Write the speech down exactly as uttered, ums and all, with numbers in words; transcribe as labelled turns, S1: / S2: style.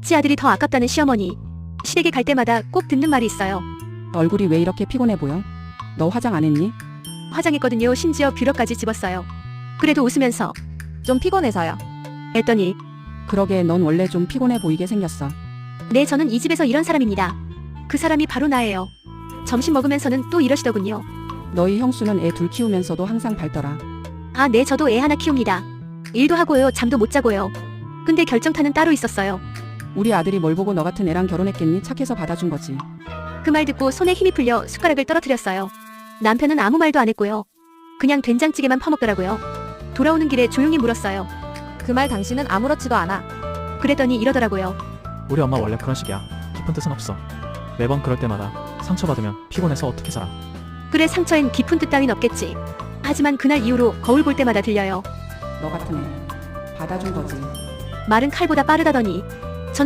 S1: 지 아들이 더 아깝다는 시어머니. 시댁에 갈 때마다 꼭 듣는 말이 있어요.
S2: 얼굴이 왜 이렇게 피곤해 보여? 너 화장 안 했니?
S1: 화장했거든요. 심지어 뷰러까지 집었어요. 그래도 웃으면서
S3: 좀 피곤해서요.
S1: 했더니
S2: 그러게 넌 원래 좀 피곤해 보이게 생겼어.
S1: 네, 저는 이 집에서 이런 사람입니다. 그 사람이 바로 나예요. 점심 먹으면서는 또 이러시더군요.
S2: 너희 형수는 애 둘 키우면서도 항상 밝더라.
S1: 아, 네, 저도 애 하나 키웁니다. 일도 하고요. 잠도 못 자고요. 근데 결정타는 따로 있었어요.
S2: 우리 아들이 뭘 보고 너 같은 애랑 결혼했겠니? 착해서 받아준 거지.
S1: 그 말 듣고 손에 힘이 풀려 숟가락을 떨어뜨렸어요. 남편은 아무 말도 안 했고요. 그냥 된장찌개만 퍼먹더라고요. 돌아오는 길에 조용히 물었어요.
S3: 그 말 당신은 아무렇지도 않아.
S1: 그랬더니 이러더라고요.
S4: 우리 엄마 원래 그런 식이야. 깊은 뜻은 없어. 매번 그럴 때마다 상처받으면 피곤해서 어떻게 살아.
S1: 그래, 상처엔 깊은 뜻 따윈 없겠지. 하지만 그날 이후로 거울 볼 때마다 들려요.
S2: 너 같은 애 받아준 거지.
S1: 말은 칼보다 빠르다더니